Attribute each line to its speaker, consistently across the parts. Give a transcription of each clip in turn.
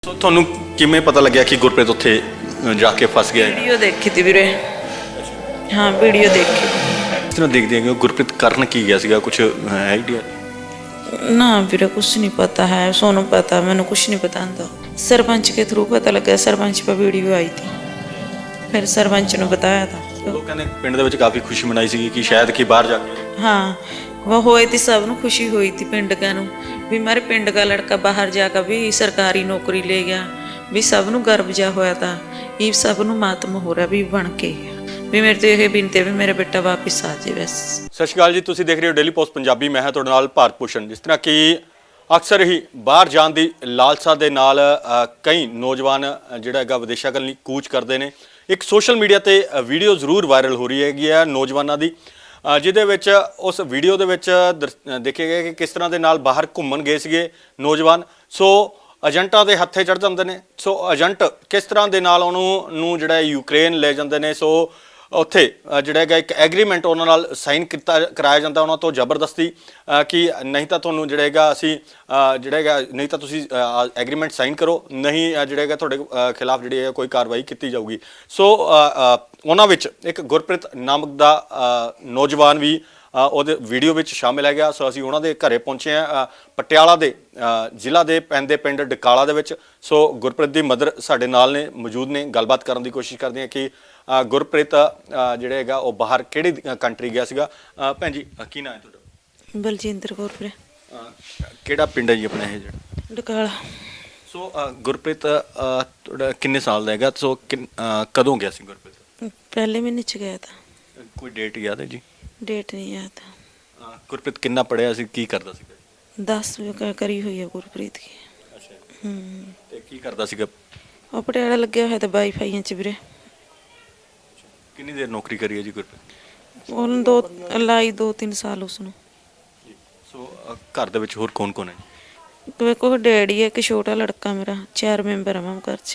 Speaker 1: ਸੋ ਤੁਹਾਨੂੰ ਕਿਵੇਂ ਪਤਾ ਲੱਗਿਆ ਕਿ ਗੁਰਪ੍ਰੀਤ ਉੱਥੇ ਜਾ ਕੇ ਫਸ ਗਿਆ ਹੈ?
Speaker 2: ਵੀਡੀਓ ਦੇਖੀ ਤੀ ਵੀਰੇ। ਹਾਂ ਵੀਡੀਓ ਦੇਖੀ।
Speaker 1: ਇਸ ਤਰ੍ਹਾਂ ਦੇਖਦੇ ਹਾਂ ਕਿ ਗੁਰਪ੍ਰੀਤ ਕਰਨ ਕੀ ਗਿਆ ਸੀਗਾ, ਕੁਝ ਹੈ ਆਈਡੀਆ?
Speaker 2: ना ਵੀਰੇ कुछ नहीं पता है, सोनू पता, मैंने कुछ नहीं पता था। सरपंच के थ्रू पता लगा, सरपंच पर वीडियो आई थी, फिर सरपंच ने बताया था।
Speaker 1: ਲੋਕਾਂ ਨੇ ਪਿੰਡ ਦੇ ਵਿੱਚ ਕਾਫੀ ਖੁਸ਼ੀ ਮਨਾਈ ਸੀ ਕਿ ਸ਼ਾਇਦ ਕਿ ਬਾਹਰ ਜਾ ਕੇ
Speaker 2: हाँ वह हुई थी, सब ਨੂੰ खुशी हुई थी पिंड का नू भी मेरे पिंड का लड़का बाहर जाकर भी सरकारी नौकरी ले गया, भी सब ਨੂੰ गर्व जा होया था। ये सब ਨੂੰ मातम हो रहा भी बन के ਵੀ ਮੇਰੇ ਤੋਂ ਇਹ ਬੇਨਤੀ ਹੈ ਵੀ ਮੇਰਾ ਬੇਟਾ ਵਾਪਿਸ ਆ ਜਾਵੇ ਬਸ।
Speaker 1: ਸਤਿ ਸ਼੍ਰੀ ਅਕਾਲ ਜੀ, ਤੁਸੀਂ ਦੇਖ ਰਹੇ ਹੋ ਡੇਲੀ ਪੋਸਟ ਪੰਜਾਬੀ। ਮੈਂ ਹਾਂ ਤੁਹਾਡੇ ਨਾਲ ਭਾਰਤ ਭੂਸ਼ਣ। ਜਿਸ ਤਰ੍ਹਾਂ ਕਿ ਅਕਸਰ ਹੀ ਬਾਹਰ ਜਾਣ ਦੀ ਲਾਲਸਾ ਦੇ ਨਾਲ ਕਈ ਨੌਜਵਾਨ ਜਿਹੜਾ ਹੈਗਾ ਵਿਦੇਸ਼ਾਂ ਵੱਲ ਕੂਚ ਕਰਦੇ ਨੇ। ਇੱਕ ਸੋਸ਼ਲ ਮੀਡੀਆ ਤੇ ਵੀਡੀਓ ਜ਼ਰੂਰ ਵਾਇਰਲ ਹੋ ਰਹੀ ਹੈਗੀ ਹੈ ਨੌਜਵਾਨਾਂ ਦੀ, ਜਿਹਦੇ ਵਿੱਚ ਉਸ ਵੀਡੀਓ ਦੇ ਵਿੱਚ ਦੇਖਿਆ ਗਿਆ ਕਿ ਕਿਸ ਤਰ੍ਹਾਂ ਦੇ ਨਾਲ ਬਾਹਰ ਘੁੰਮਣ ਗਏ ਸੀਗੇ ਨੌਜਵਾਨ। ਸੋ ਏਜੰਟਾਂ ਦੇ ਹੱਥੇ ਚੜ੍ਹ ਜਾਂਦੇ ਨੇ। ਸੋ ਏਜੰਟ ਕਿਸ ਤਰ੍ਹਾਂ ਦੇ ਨਾਲ ਉਹਨੂੰ ਜਿਹੜਾ ਯੂਕਰੇਨ ਲੈ ਜਾਂਦੇ ਨੇ। ਸੋ ਉੱਥੇ ਜਿਹੜਾ ਹੈਗਾ ਇੱਕ ਐਗਰੀਮੈਂਟ ਉਹਨਾਂ ਨਾਲ ਸਾਈਨ ਕਰਾਇਆ ਜਾਂਦਾ ਉਹਨਾਂ ਤੋਂ ਜ਼ਬਰਦਸਤੀ ਕਿ ਨਹੀਂ ਤਾਂ ਤੁਹਾਨੂੰ ਜਿਹੜਾ ਹੈਗਾ ਅਸੀਂ ਜਿਹੜਾ ਹੈਗਾ ਨਹੀਂ ਤਾਂ ਤੁਸੀਂ ਐਗਰੀਮੈਂਟ ਸਾਈਨ ਕਰੋ, ਨਹੀਂ ਜਿਹੜਾ ਹੈਗਾ ਤੁਹਾਡੇ ਖਿਲਾਫ ਜਿਹੜੀ ਹੈ ਕੋਈ ਕਾਰਵਾਈ ਕੀਤੀ ਜਾਊਗੀ। ਸੋ ਉਹਨਾਂ ਵਿੱਚ ਇੱਕ ਗੁਰਪ੍ਰੀਤ ਨਾਮਕ ਦਾ ਨੌਜਵਾਨ ਵੀ ਉਹਦੇ ਵੀਡੀਓ ਵਿੱਚ ਸ਼ਾਮਿਲ ਹੈਗਾ। ਸੋ ਅਸੀਂ ਉਹਨਾਂ ਦੇ ਘਰੇ ਪਹੁੰਚੇ ਹਾਂ ਪਟਿਆਲਾ ਦੇ ਜ਼ਿਲ੍ਹਾ ਦੇ ਪੈਂਦੇ ਪਿੰਡ ਡਕਾਲਾ ਦੇ ਵਿੱਚ। ਸੋ ਗੁਰਪ੍ਰੀਤ ਦੀ ਮਦਰ ਸਾਡੇ ਨਾਲ ਨੇ, ਮੌਜੂਦ ਨੇ। ਗੱਲਬਾਤ ਕਰਨ ਦੀ ਕੋਸ਼ਿਸ਼ ਕਰਦੇ ਹਾਂ ਕਿ ਗੁਰਪ੍ਰੀਤ ਜਿਹੜਾ ਹੈਗਾ ਉਹ ਬਾਹਰ ਕਿਹੜੀ ਕੰਟਰੀ ਗਿਆ ਸੀਗਾ। ਭੈਣ ਜੀ ਕੀ ਨਾਂ ਹੈ ਤੁਹਾਡਾ?
Speaker 2: ਬਲਜਿੰਦਰ ਕੌਰ ਵੀਰੇ।
Speaker 1: ਕਿਹੜਾ ਪਿੰਡ ਹੈ ਜੀ ਆਪਣਾ ਇਹ ਜਿਹੜਾ?
Speaker 2: ਡਕਾਲਾ।
Speaker 1: ਸੋ ਗੁਰਪ੍ਰੀਤ ਤੁਹਾਡਾ ਕਿੰਨੇ ਸਾਲ ਦਾ ਹੈਗਾ? ਸੋ ਕਦੋਂ ਗਿਆ ਸੀ ਗੁਰਪ੍ਰੀਤ?
Speaker 2: ਪਹਿਲੇ ਮਹੀਨੇ ਚ ਗਿਆ ਤਾਂ।
Speaker 1: ਕੋਈ ਡੇਟ ਯਾਦ ਹੈ ਜੀ?
Speaker 2: ਡੇਟ ਨਹੀਂ ਯਾਦ।
Speaker 1: ਗੁਰਪ੍ਰੀਤ ਕਿੰਨਾ ਪੜ੍ਹਿਆ ਸੀ, ਕੀ ਕਰਦਾ ਸੀਗਾ?
Speaker 2: 10 ਕਰੀ ਹੋਈ ਹੈ ਗੁਰਪ੍ਰੀਤ ਦੀ।
Speaker 1: ਅੱਛਾ। ਤੇ ਕੀ ਕਰਦਾ ਸੀਗਾ?
Speaker 2: ਉਹ ਪਟਿਆਲਾ ਲੱਗਿਆ ਹੋਇਆ ਤਾਂ ਵਾਈਫਾਈਆਂ ਚ ਵੀਰੇ।
Speaker 1: ਕਿੰਨੀ ਦੇਰ ਨੌਕਰੀ ਕਰੀ ਹੈ ਜੀ ਗੁਰਪ੍ਰੀਤ?
Speaker 2: ਉਹਨੂੰ 2-3 ਸਾਲ ਉਸਨੂੰ।
Speaker 1: ਸੋ ਘਰ ਦੇ ਵਿੱਚ ਹੋਰ ਕੌਣ ਕੌਣ ਹੈ?
Speaker 2: ਕੋਈ ਡੈਡੀ ਹੈ, ਇੱਕ ਛੋਟਾ ਲੜਕਾ ਮੇਰਾ, 4 ਮੈਂਬਰ ਆ ਮੈਂ ਘਰ ਚ।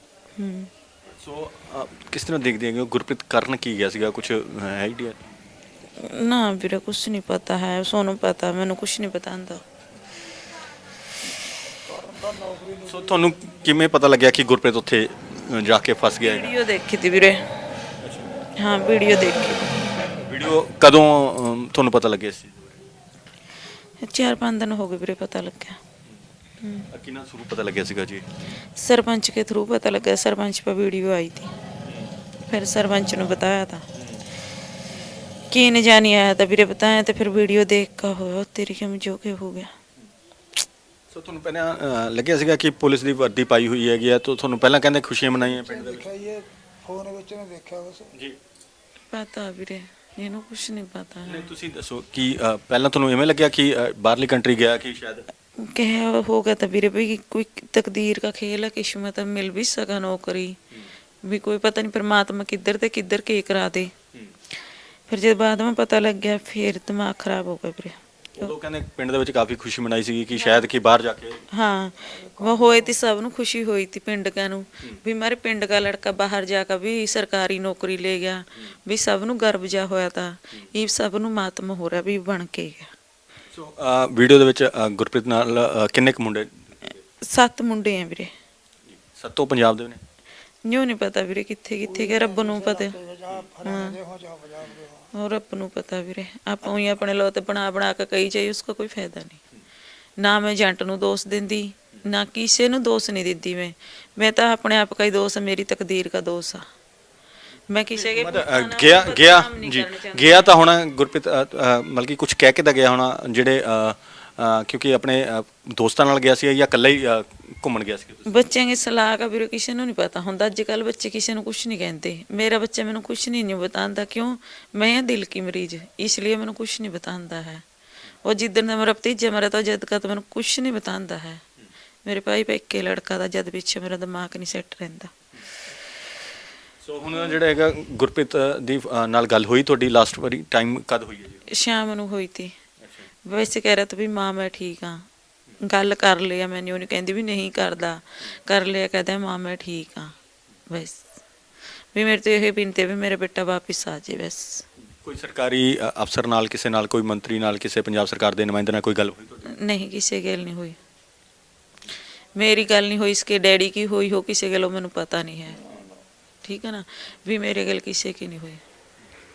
Speaker 1: ਸੋ ਕਿਸ ਤਰ੍ਹਾਂ ਦੇਖਦੇ ਹੈਗੇ ਗੁਰਪ੍ਰੀਤ ਕਰਨ ਕੀ ਗਿਆ ਸੀਗਾ, ਕੁਝ ਹੈ ਆਈਡੀਆ?
Speaker 2: ਨਾ ਵੀਰੇ ਕੁਛ ਨਹੀਂ ਪਤਾ ਹੈ, ਸੋਨੂੰ ਪਤਾ, ਮੈਨੂੰ ਕੁਛ ਨਹੀਂ ਪਤਾ ਹੁੰਦਾ।
Speaker 1: ਸੋ ਤੁਹਾਨੂੰ ਕਿਵੇਂ ਪਤਾ ਲੱਗਿਆ ਕਿ ਗੁਰਪ੍ਰੀਤ ਉੱਥੇ ਜਾ ਕੇ ਫਸ ਗਿਆ ਹੈ?
Speaker 2: ਵੀਡੀਓ ਦੇਖੀ ਤੀ ਵੀਰੇ। ਹਾਂ ਵੀਡੀਓ ਦੇਖੀ।
Speaker 1: ਵੀਡੀਓ ਕਦੋਂ ਤੁਹਾਨੂੰ ਪਤਾ ਲੱਗਿਆ ਸੀ?
Speaker 2: 4-5 ਦਿਨ ਹੋ ਗਏ ਵੀਰੇ ਪਤਾ ਲੱਗਿਆ।
Speaker 1: ਕਿੰਨਾ ਸ਼ੁਰੂ ਪਤਾ ਲੱਗਿਆ ਸੀਗਾ ਜੀ?
Speaker 2: सरपंच के थ्रू पता लगा, सरपंच पर वीडियो आई थी, फिर सरपंच ने बताया था कि नहीं जानी आया था ਵੀਰੇ बताया, तो फिर वीडियो देख कर हो तेरी हम जो के हो गया।
Speaker 1: ਸੋ ਤੁਹਾਨੂੰ ਪਹਿਲਾਂ ਲੱਗਿਆ ਸੀਗਾ ਕਿ ਪੁਲਿਸ ਦੀ ਵਰਦੀ ਪਾਈ ਹੋਈ ਹੈਗੀ ਆ, ਤਾਂ ਤੁਹਾਨੂੰ ਪਹਿਲਾਂ ਕਹਿੰਦੇ ਖੁਸ਼ੀਆਂ ਮਨਾਈਆਂ ਪਿੰਡ ਦੇ ਵਿੱਚ?
Speaker 3: ਇਹ ਫੋਨ ਵਿੱਚ ਨੇ ਦੇਖਿਆ ਬਸ
Speaker 1: ਜੀ।
Speaker 2: पता ਵੀਰੇ ਇਹਨੂੰ ਕੁਛ ਨਹੀਂ ਪਤਾ
Speaker 1: ਨਹੀਂ
Speaker 2: ਹੈ।
Speaker 1: ਤੁਸੀਂ ਦੱਸੋ ਕਿ ਪਹਿਲਾਂ ਤੁਹਾਨੂੰ ਇਵੇਂ ਲੱਗਿਆ ਕਿ ਬਾਹਰਲੀ ਕੰਟਰੀ ਗਿਆ ਕਿ ਸ਼ਾਇਦ
Speaker 2: क्या होगा था ਵੀਰੇ भी कोई तकदीर का खेल है, किस्मत है, मिल भी सका नौकरी भी, कोई पता नहीं परमात्मा किधर ते किधर के करा दे। फिर जब बाद में पता लग गया फिर दिमाग खराब हो गया ਵੀਰੇ।
Speaker 1: ਉਦੋਂ ਕਹਿੰਦੇ ਪਿੰਡ ਦੇ ਵਿੱਚ ਕਾਫੀ ਖੁਸ਼ੀ ਮਨਾਈ ਸੀਗੀ ਕਿ ਸ਼ਾਇਦ ਕਿ ਬਾਹਰ ਜਾ ਕੇ
Speaker 2: हाँ वह हुई थी, सब ਨੂੰ खुशी हुई थी पिंड का नू भी मेरे पिंड का लड़का बाहर जाकर भी सरकारी नौकरी ले गया, भी सब ਨੂੰ गर्व जा होया था। ये सब ਨੂੰ मातम हो रहा भी बन के गया।
Speaker 1: ਸੋ ਵੀਡੀਓ ਦੇ ਵਿੱਚ ਗੁਰਪ੍ਰੀਤ ਨਾਲ ਕਿੰਨੇ ਕੁ ਮੁੰਡੇ?
Speaker 2: 7 ਮੁੰਡੇ ਆ ਵੀਰੇ।
Speaker 1: ਸੱਤੋਂ ਪੰਜਾਬ ਦੇ ਨੇ?
Speaker 2: ਨਿਉ ਨਹੀਂ ਪਤਾ ਵੀਰੇ ਕਿੱਥੇ ਕਿੱਥੇ ਗਏ, ਰੱਬ ਨੂੰ ਪਤਾ। और ਰੱਬ ਨੂੰ ਪਤਾ ਵੀਰੇ, ਆਪਾਂ ਹੀ ਆਪਣੇ ਲੋ ਤੇ ਬਣਾ ਕੇ ਕਹੀ ਜਾਈ, ਉਸका कोई फायदा नहीं। ਨਾ ਮੈਂ ਏਜੰਟ ਨੂੰ ਦੋਸ਼ ਦਿੰਦੀ, ਨਾ ਕਿਸੇ ਨੂੰ ਦੋਸ਼ ਨਹੀਂ ਦਿੰਦੀ। ਮੈਂ ਤਾਂ ਆਪਣੇ ਆਪ ਦਾ ਹੀ ਦੋਸ਼, ਮੇਰੀ ਤਕਦੀਰ ਦਾ ਦੋਸ਼ ਆ। ਮੈਂ ਕਿਸੇ ਕੇ
Speaker 1: ਗਿਆ ਜੀ, ਗਿਆ ਤਾਂ ਹੁਣ ਗੁਰਪ੍ਰੀਤ ਮਤਲਬ ਕਿ ਕੁਝ ਕਹਿ ਕੇ ਤਾਂ ਗਿਆ ਹੋਣਾ ਜਿਹੜੇ ਕਿਉਂਕਿ ਆਪਣੇ ਦੋਸਤਾਂ ਨਾਲ ਗਿਆ ਸੀ ਜਾਂ ਇਕੱਲਾ ਹੀ ਘੁੰਮਣ ਗਿਆ ਸੀ?
Speaker 2: ਬੱਚਿਆਂ ਦੀ ਸਲਾਹ ਕਾ ਵੀਰੇ ਕਿਸੇ ਨੂੰ ਨਹੀਂ ਪਤਾ ਹੁੰਦਾ। ਅੱਜ ਕੱਲ ਬੱਚੇ ਕਿਸੇ ਨੂੰ ਕੁਛ ਨਹੀਂ ਕਹਿੰਦੇ। ਮੇਰਾ ਬੱਚਾ ਮੈਨੂੰ ਕੁਛ ਨਹੀਂ ਬਤਾਉਂਦਾ, ਕਿਉਂ? ਮੈਂ ਹਾਂ ਦਿਲ ਕੀ ਮਰੀਜ਼, ਇਸ ਲਈ ਮੈਨੂੰ ਕੁਛ ਨਹੀਂ ਬਤਾਉਂਦਾ ਹੈ। ਉਹ ਜਿੱਦਣ ਦਾ ਮੇਰਾ ਭਤੀਜਾ ਮਰਿਆ ਤਾਂ ਜਦ ਕਾ ਮੈਨੂੰ ਕੁਛ ਨਹੀਂ ਬਤਾਉਂਦਾ ਹੈ। ਮੇਰੇ ਭਾਈ ਪੇਕੇ ਲੜਕਾ ਦਾ ਜਦ ਪਿੱਛੇ ਮੇਰਾ ਦਿਮਾਗ ਨਹੀਂ ਸੈੱਟ ਰਹਿੰਦਾ।
Speaker 1: ਸੋ ਹੁਣ ਜਿਹੜਾ ਹੈਗਾ ਗੁਰਪ੍ਰੀਤ ਦੀ ਨਾਲ ਗੱਲ ਹੋਈ ਤੁਹਾਡੀ ਲਾਸਟ ਵਾਰੀ ਟਾਈਮ ਕਦ ਹੋਈ ਹੈ ਜੀ?
Speaker 2: ਸ਼ਾਮ ਨੂੰ ਹੋਈ ਤੀ। ਵੈਸੇ ਕਹਿ ਰਿਹਾ ਤਾਂ ਵੀ ਮਾਂ ਮੈਂ ਠੀਕ ਹਾਂ, ਗੱਲ ਕਰ ਲਿਆ। ਮੈਨੂੰ ਨਹੀਂ ਕਹਿੰਦੀ ਵੀ ਨਹੀਂ ਕਰਦਾ, ਕਰ ਲਿਆ, ਕਹਿੰਦਾ ਮਾਂ ਮੈਂ ਠੀਕ ਹਾਂ। ਬਸ ਵੀ ਮੇਰੇ ਤੋਂ ਇਹ ਬੇਨਤੀ ਵੀ ਮੇਰਾ ਬੇਟਾ ਵਾਪਿਸ ਆ ਜਾਏ ਬਸ।
Speaker 1: ਕੋਈ ਸਰਕਾਰੀ ਅਫਸਰ ਨਾਲ, ਕਿਸੇ ਨਾਲ, ਕੋਈ ਮੰਤਰੀ ਨਾਲ, ਕਿਸੇ ਪੰਜਾਬ ਸਰਕਾਰ ਦੇ ਨੁਮਾਇੰਦੇ ਨਾਲ ਕੋਈ ਗੱਲ ਹੋਈ ਤੁਹਾਡੀ?
Speaker 2: ਨਹੀਂ ਕਿਸੇ ਗੱਲ ਨਹੀਂ ਹੋਈ। ਮੇਰੀ ਗੱਲ ਨਹੀਂ ਹੋਈ ਇਸਕੇ ਡੈਡੀ ਕੀ ਹੋਈ ਹੋ ਕਿਸੇ ਗੱਲੋਂ ਮੈਨੂੰ ਪਤਾ ਨਹੀਂ ਹੈ। ਠੀਕ ਹੈ ਨਾ, ਵੀ ਮੇਰੇ ਗੱਲ ਕਿਸੇ ਕੀ ਨਹੀਂ ਹੋਈ।